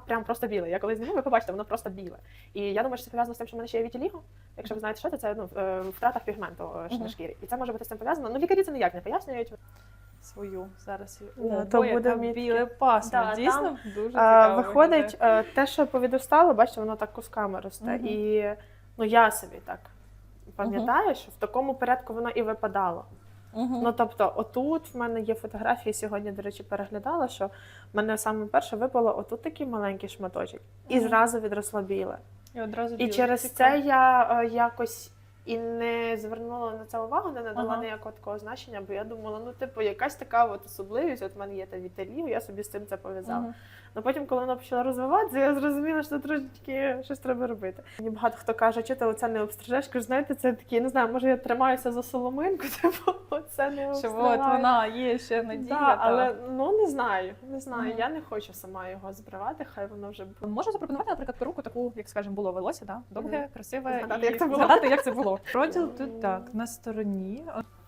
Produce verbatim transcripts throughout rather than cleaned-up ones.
прям просто біле. Я коли зніму, ви побачите, воно просто біле. І я думаю, що це пов'язано з тим, що в мене ще є вітіліго. Якщо ви знаєте, що це, це ну, втрата пігменту uh-huh. на шкірі. І це може бути з цим пов'язано. Ну, лікарі це ніяк не пояснюють. Свою зараз. Да, О, то бо, буде яка біле пасмо. Да, дійсно, там, дуже а, цікаво. Виходить, виглядає. те, що повідростало, бачите, воно так кусками росте. Uh-huh. І ну, я собі так пам'ятаю, uh-huh. що в такому порядку воно і випадало. Uh-huh. Ну, тобто, отут в мене є фотографії, сьогодні, до речі, переглядала, що в мене саме перше випало отут такий маленький шматочок, і uh-huh. зразу відросло біле. І, одразу і біле. через Цікаво. це я е, якось і не звернула на це увагу, не надала uh-huh. ніякого такого значення, бо я думала, ну, типу, якась така от особливість, от в мене є та віталів, я собі з цим це пов'язала. Uh-huh. Ну, потім, коли вона почала розвиватися, я зрозуміла, що трошечки щось треба робити. Мені багато хто каже, що ти оце не обстрижеш, кажу, знаєте, це такі, не знаю, може я тримаюся за соломинку, типу, оце не обстригаю. Що от вона, є ще надія. Да, та. але, ну, не знаю, не знаю, Mm. я не хочу сама його збривати, хай воно вже буде. Можу запропонувати, наприклад, перуку таку, як, скажімо, було волосся, да? Довге, Mm. красиве, Згадати, і як це було. згадати, як це було. Проділ Mm. тут так, на стороні.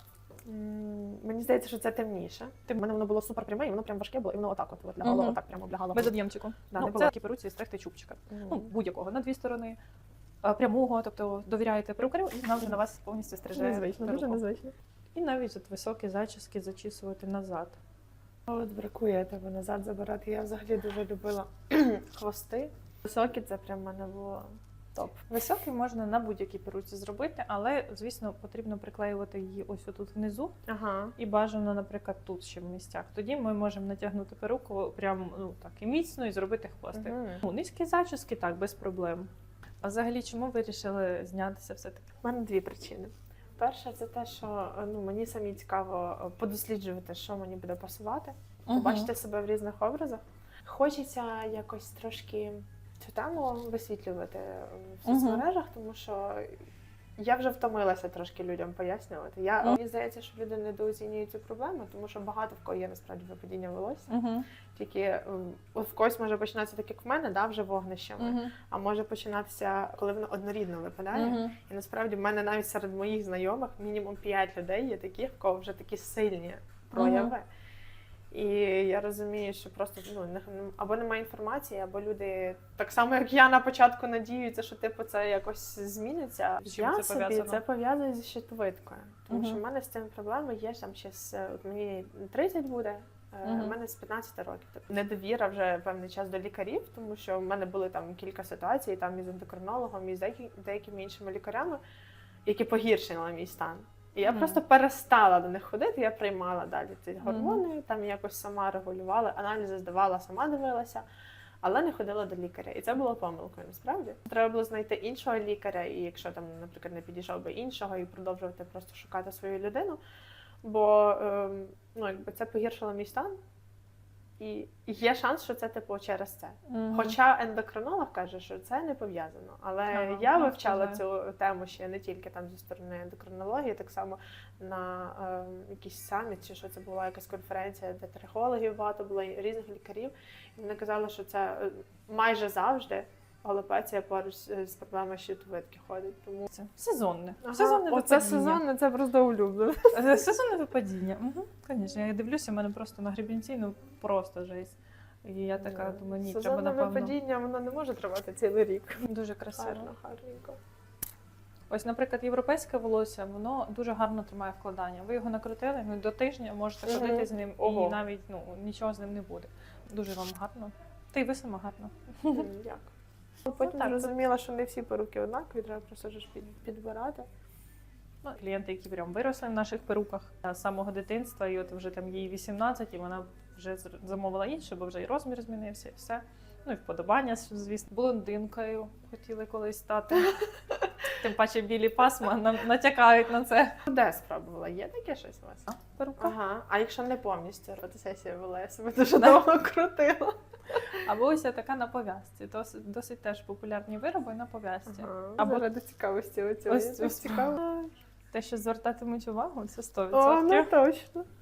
М, Мені здається, що це темніше. У мене воно було супер пряме, і воно прям важке було, і воно отак от, от лягало, Мгм. отак прямо облягало. Без об'ємчику. Да, ну, не було. це такі перуці стригти чубчика. Мгм. Ну, будь-якого, на дві сторони, а, прямого, тобто довіряєте перукарю, і вона вже на вас повністю стриже Незвично, дуже перуку. незвично. І навіть от високі зачіски зачісувати назад. От бракує тебе назад забирати. Я взагалі дуже любила хвости. Високі, це прям в мене було топ. Високий можна на будь-якій перуці зробити, але, звісно, потрібно приклеювати її ось тут внизу. Ага. І бажано, наприклад, тут ще в місцях. Тоді ми можемо натягнути перуку прям ну так і міцно і зробити хвостик. Мгм. Ну, низькі зачіски, так, без проблем. А взагалі, чому ви вирішили знятися все-таки? У мене дві причини. Перша, це те, що ну, мені самі цікаво подосліджувати, що мені буде пасувати, побачити себе в різних образах. Хочеться якось трошки цю тему висвітлювати в Мгм. соцмережах, тому що я вже втомилася трошки людям пояснювати. Я, Мгм. Мені здається, що люди недооцінюють цю проблему, тому що багато в кого є насправді випадіння волосся. Угу. Тільки м, от в когось може починатися так, як в мене, да, вже вогнищами, Угу. а може починатися, коли воно однорідно випадає. Угу. І насправді в мене навіть серед моїх знайомих мінімум п'ять людей є таких, в кого вже такі сильні прояви. І я розумію, що просто ну, не- або немає інформації, або люди так само, як я на початку надіються, що типу це якось зміниться. З чим Я це собі пов'язано? це пов'язую зі щитовидкою. Тому Мгм. що в мене з цим проблеми є там ще з от мені тридцять буде. У Мгм. мене з п'ятнадцяти років. Тобто недовіра вже певний час до лікарів, тому що в мене були там кілька ситуацій там із ендокринологом, і з деякі- деякими іншими лікарями, які погіршили мій стан. І я Мгм. просто перестала до них ходити, я приймала далі ці Мгм. гормони, там якось сама регулювала, аналізи здавала, сама дивилася, але не ходила до лікаря. І це було помилкою, насправді. Треба було знайти іншого лікаря, і якщо там, наприклад, не підійшов би іншого, і продовжувати просто шукати свою людину. Бо ем, ну, якби це погіршило мій стан, і є шанс, що це типу через це. Мгм. Хоча ендокринолог каже, що це не пов'язано. Але Ага, я ну, вивчала це цю тему ще не тільки там зі сторони ендокринології, так само на е, якийсь саміт, чи що це була якась конференція, де трихологів багато було, і різних лікарів. І вони казали, що це е, майже завжди алопеція поруч з з проблемою щитовидки ходить. Тому Це сезонне. Ага, Сезонне оце випадіння. сезонне, це просто улюблене. Е, Сезонне випадіння. Угу. Звісно, я дивлюся, в мене просто на гребінці, ну просто жесть. І я така думаю, ні, треба, Сезонне напевно. випадіння, воно не може тривати цілий рік. Дуже красиво. Гарно, гарненько. Ось, наприклад, європейське волосся, воно дуже гарно тримає вкладання. Ви його накрутили, ну до тижня можете Мгм. ходити з ним, Ого. і навіть ну нічого з ним не буде. Дуже вам гарно. Та й ви сама гарно. М, Дякую. Потім так, зрозуміла, що не всі перуки однакові, треба просто ж під, підбирати. Ну, клієнти, які прям виросли в наших перуках з самого дитинства, і от вже там їй вісімнадцять, і вона вже зр- замовила інше, бо вже і розмір змінився, і все. Ну і вподобання, звісно, блондинкою хотіли колись стати. Тим паче білі пасма нам натякають на це. Де спробувала? Є таке щось у вас? Перука. Ага. А якщо не повністю фотосесія вела, я себе дуже Да. довго крутила. Або ось така на пов'язці. Досить, досить теж популярні вироби на пов'язці. Ага. Або- Заради цікавості оцього. Ось Ось ось. цікаво. Те, що звертатимуть увагу, це сто О, ну відсотків. точно.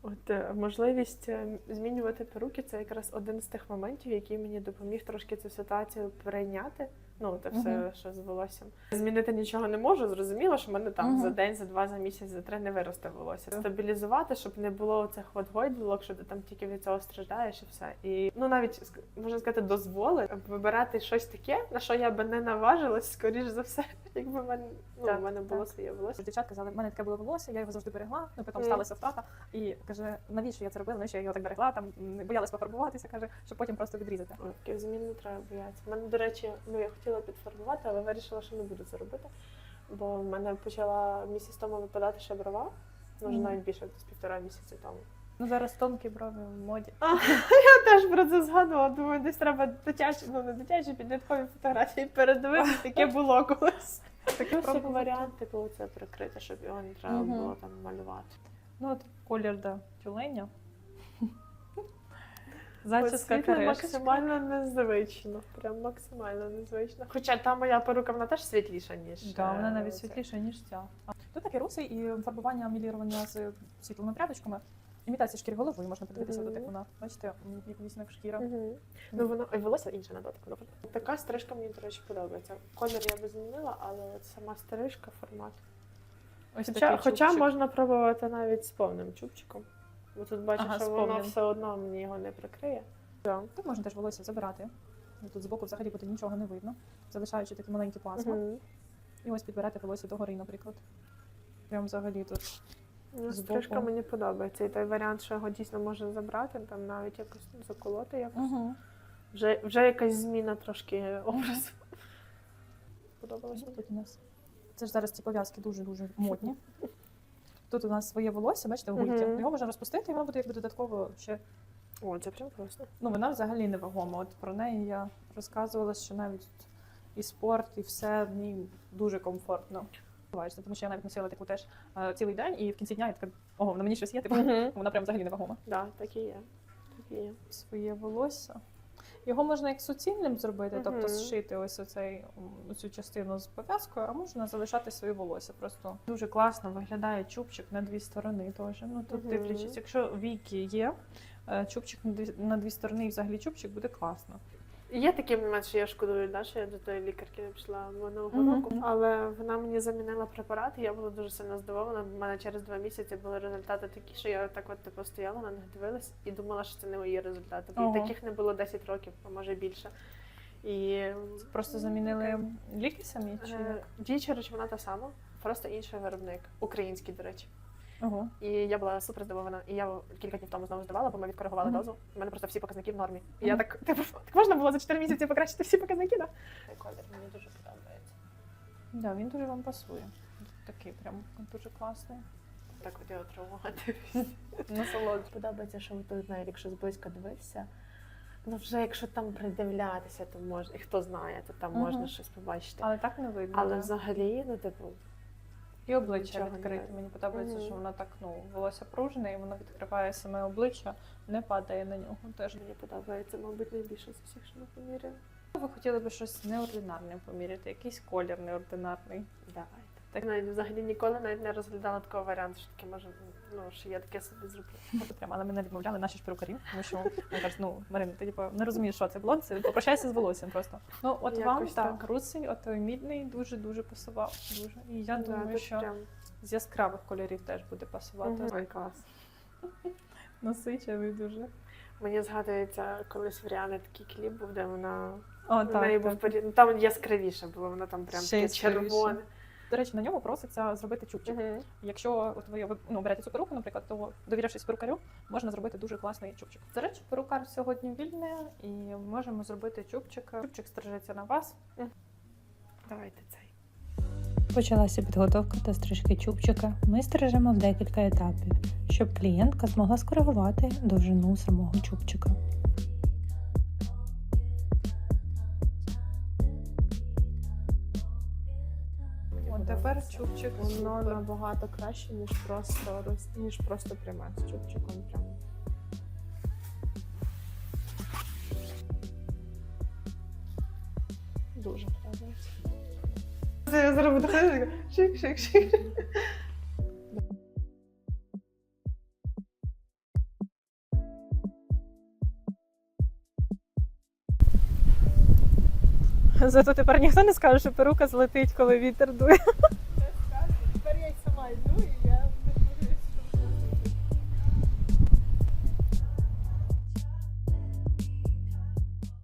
От е, можливість е, змінювати перуки це якраз один з тих моментів, який мені допоміг трошки цю ситуацію прийняти. Ну, те все, Мгм. що з волоссям. Змінити нічого не можу. Зрозуміло, що в мене там Мгм. за день, за два, за місяць, за три не виросте волосся. Стабілізувати, щоб не було цих от гойдалок, що ти там тільки від цього страждаєш і все. І ну навіть ск- можна сказати, дозволи вибирати щось таке, на що я би не наважилась, скоріш за все, якби в мене ну, Так, в мене було так. своє волосся. Дівчат казали, в мене таке було волосся, я його завжди берегла, ну потім Мгм. сталася втрата. І каже, навіщо я це робила, навіщо я його так берегла, там не боялась пофарбуватися, каже, щоб потім просто відрізати. Ой, таких змін не треба боятися. У мене, до речі, ну я хотіла підфарбувати, але вирішила, що не буду це робити. Бо в мене почала місяць тому випадати ще брова, може Мгм. навіть більше десь півтора місяці тому. Ну зараз тонкі брові в моді. Я теж про це згадувала. Думаю, десь треба дитячі, ну не дитячі, підліткові фотографії передивитися, яке було колись. Таке Ось як варіант, типу, це прикрити, щоб його не треба Мгм. було там малювати. Ну от колір да, тюленя. Зачіска Світло карешечка. максимально незвично. Прям максимально незвично. Хоча та моя перука, вона теж світліша, ніж. Да, вона е, навіть це. світліша, ніж ця. А тут таке русий і фарбування мілірування з світлими прядочками. Імітація шкіри голови, можна подивитися, Мгм. тут як вона. Бачите, м, як вісник шкіра. Мгм. Ну воно і волосся інше на дотик. Ну, така стрижка мені, до речі, подобається. Колір я би змінила, але от сама стрижка, формат. Ось Хоча, такий хоча чубчик. можна пробувати навіть з повним чубчиком. Бо тут бачу, Ага, що з воно повним. все одно мені його не прикриє. Да. Тут можна теж волосся забирати. Тут збоку взагалі буде нічого не видно, залишаючи такі маленькі пасма. Мгм. І ось підбирати волосся догори, наприклад. Прям взагалі тут. Ну, Збоку. стрижка мені подобається. І той варіант, що його дійсно можна забрати, там навіть якось заколоти якось. Угу. Вже, вже якась зміна трошки образу. Сподобалось мені. Тут у нас. Це ж зараз ці пов'язки дуже-дуже модні. Тут у нас своє волосся, бачите, у гульці. Мгм. Його можна розпустити, і воно буде якби додатково ще. О, це прям класно. Ну, вона взагалі невагома. От про неї я розказувала, що навіть і спорт, і все в ній дуже комфортно. Буваєш, тому що я навіть носила таку теж е, цілий день, і в кінці дня я така, ого, на мені щось є, типу, Мгм. вона прям взагалі невагома. Да, так і є. Так і є. Своє волосся. Його можна як суцільним зробити, тобто Мгм. зшити ось оцей, м, цю частину з пов'язкою, а можна залишати своє волосся. Просто дуже класно виглядає чубчик на дві сторони теж. Ну тут Мгм. дивлячись, якщо віки є, е, чубчик на дві, на дві сторони і взагалі чубчик буде класно. Є такий момент, що я шкодую, да, що я до тої лікарки не пішла минулого Мгм. року, але вона мені замінила препарат, і я була дуже сильно здивована. У мене через два місяці були результати такі, що я так от типу стояла на них дивилась і думала, що це не мої результати. Бо Ого. і таких не було десять років, а може більше. І Просто замінили ліки самі чи е, як? діюча речовина та сама, просто інший виробник, український, до речі. Ого. І я була супер здивована. І я кілька днів тому знову здавала, бо ми відкоригували Мгм. дозу. У мене просто всі показники в нормі. І Мгм. я так, типу, так можна було за чотири місяці покращити всі показники, так? Цей колір мені дуже подобається. Да, він дуже вам пасує. Такий прям дуже класний. Так от я отримувати. Насолоджу. Подобається, що тут навіть якщо зблизька дивитися, ну вже якщо там придивлятися, то можна, і хто знає, то там Мгм. можна щось побачити. Але так не видно. Але да. взагалі, ну типу, І обличчя Нічого не відкрите. видно. Мені подобається, Мгм. що воно так, ну, волосся пружне, і воно відкриває саме обличчя, не падає на нього теж. мені подобається, мабуть, найбільше з усіх, що ми поміряли. Ви хотіли б щось неординарне поміряти, якийсь колір неординарний. Давайте. Так навіть взагалі ніколи навіть не розглядала такого варіанту, що таке може, ну що я таке собі зроблю. От прямо, але мене відмовляли наші ж перукарі, тому що вони кажуть, ну, Марина, ти типу, не розумієш, що це блонд, це попрощайся з волоссям просто. Ну, от вам Якось так, так. русий, от той мідний дуже-дуже пасував. Дуже. І я Да, думаю, тут що прям з яскравих кольорів теж буде пасувати. Мгм. Ой, клас. Насичений дуже. Мені згадується, колись в Ріани такий кліп був, де вона О, в неї був так. порі- ну, там яскравіше було, вона там прям Ще таке яскравіше. червоне. До речі, на ньому проситься зробити чубчик. Мгм. Якщо от ви ну, берете цю перуку, наприклад, то довірившись перукарю, можна зробити дуже класний чубчик. До речі, перукар сьогодні вільний, і можемо зробити чубчик. Чубчик стрижеться на вас. Давайте цей. Почалася підготовка та стрижки чубчика. Ми стрижемо в декілька етапів, щоб клієнтка змогла скоригувати довжину самого чубчика. От тепер чубчик Воно супер. набагато краще, ніж просто роз... ніж просто пряме з чубчиком. Прям. Дуже подобається. Це я зараз буду ходити, шик-шик-шик. Зато тепер ніхто не скаже, що перука злетить, коли вітер дує. Тепер я й сама йду і